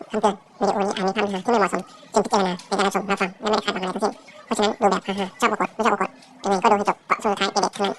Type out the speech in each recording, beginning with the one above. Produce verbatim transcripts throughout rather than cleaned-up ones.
คำเตือนวิดีโอนี้อาจมีคำเนื้อหาที่ไม่เหมาะสมจึงพิจารณาในการรับชมรับฟังและไม่ได้คาดหวังอะไรทั้งสิ้นเพราะฉะนั้นดูแบบฮ่าๆชอบกดไม่ชอบกดยังไงก็ดูให้จบเพราะสุดท้ายเป็นเด็กทั้งนั้น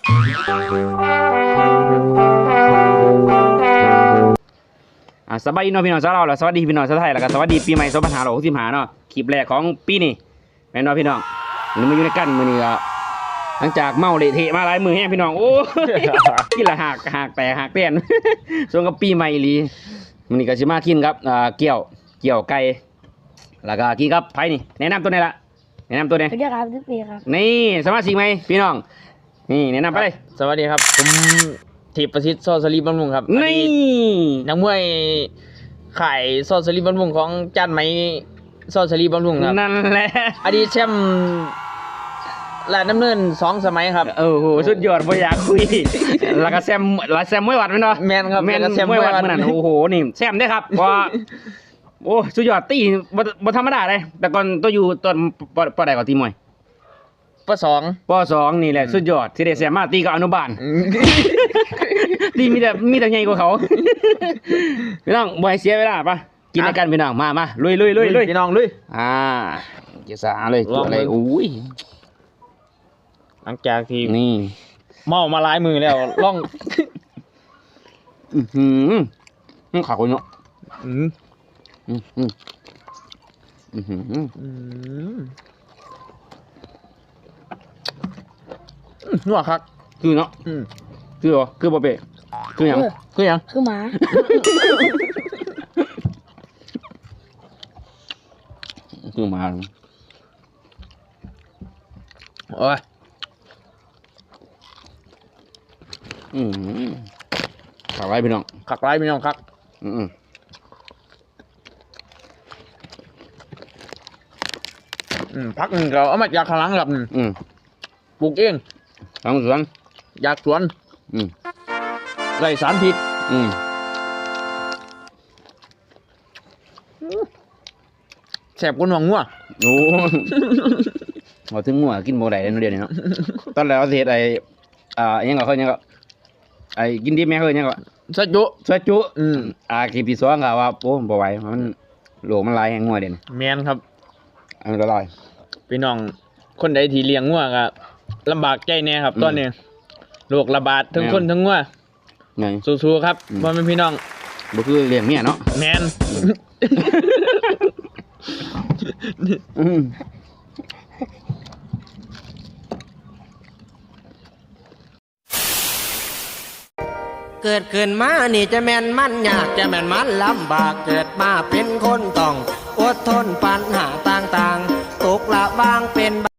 อ่าสบายดีเนาะพี่น้องชาวเราแล้วสวัสดีพี่น้องชาวไทยแล้วก็สวัสดีปีใหม่สองพันห้าร้อยหกสิบห้าเนาะคลิปแรกของปีนี้แม่นเนาะพี่น้องนี่มาอยู่ในกันมื้อนี้ก็หลังจากเมาเละเทะมาหลายมื้อแฮงพี่น้องโอ้ย กินละหักหักแต่หักเต้น ส่วนกับปีใหม่อีหลีมื้อนี้ก็สิมากินครับอ่าเกี่ยวเกี่ยวไก่แล้วก็กินกับไผนี่แนะนำตัวไหนล่ะแนะนำตัวไหนสวัสดีครับทุกปีครับนี่สมาชิกใหม่พี่น้องนี่แนะนำไปเลยสวัสดีครับผมทิพย์ประสิทธิ์โซสลีบำรุงครับนี่นักมวยขายโซสลีบำรุงของจานไหมโซสลีบำรุงครับนั่นแหละอดีตแชมป์และน้ำเนินสองสมัยครับโอ้โหสุดยอดบ่อยากคุย แล้วก็แซมแล้วแซมมวยวัดแม่นเนาะแมนครับแม่นล้วก็มวยวัดมื้อนั้นโอ้โหนี่แซมได้ครับเพราะว่าโอ้สุดยอดตีบ่บ่ธรรมดาเลยแต่ก่อนตัวอยู่ตอนปปใดก็ตีมวยปสองปสองนี่แหละสุดยอดที่ได้แซมมาตีกับอนุบาล ตีมีแต่มีแต่ใหญ่กว่าเขา พี่น้องบ่ให้เสียเวลาปะกินด้วยกันพี่น้องมามาลุยลุยลุยลุยพี่น้องลุยอ่าเกี่ยวสาเลยลองอะไรเลยอุ้ยหลังจากที่นี่เมามาหลายมือแล้วล่องอื้อหือนี่ขาคนเนาะอืมอือหืออือหืออืมนัวคักคือเนาะอืมคือเหรอคือบ่เปะคือหยังเออคือหยังคือหมาคือหมาโอ้ยอืมขาไว้พี่น้องคักหลายพี่น้องคักอืมอืมพักหนึ่งเราเอามาจากข้างหลังครับอืมปลูกเองทางสวนอยากสวนอืมไรสารพิษอืมแสบกว่าหนองงัวโอ้พอถึงหัวกินบ่ได้เนาะเดี๋ยวนี้เนาะตอนแรกเอาสิเฮ็ดไอ้อ่าอิหยังก็เขาอิหยังก็ไอ้กินดิบแม่เขาอิหยังก็สะจุซอยจุอืมอ่าคลิปที่สองก็ว่าโอ้บ่ไหวมันโลกมันหลายแฮงงัวเด่นแมนครับอันนี้ละลายพี่น้องคนใดที่เลี้ยงงัวก็ลำบากใจแน่ครับอืมตอนนี้โรคระบาดทั้งแม่นคนทั้งงัวไงสู้ๆครับอืมว่าเป็นพี่น้องบ่คือเลี้ยงเมียเนาะแมนอืมเกิดขึ้นมานี่จะแม่นมันยากจะแม่นมันลำบากเกิดมาเป็นคนต้องอดทนปัญหาต่างๆตกละบางเป็น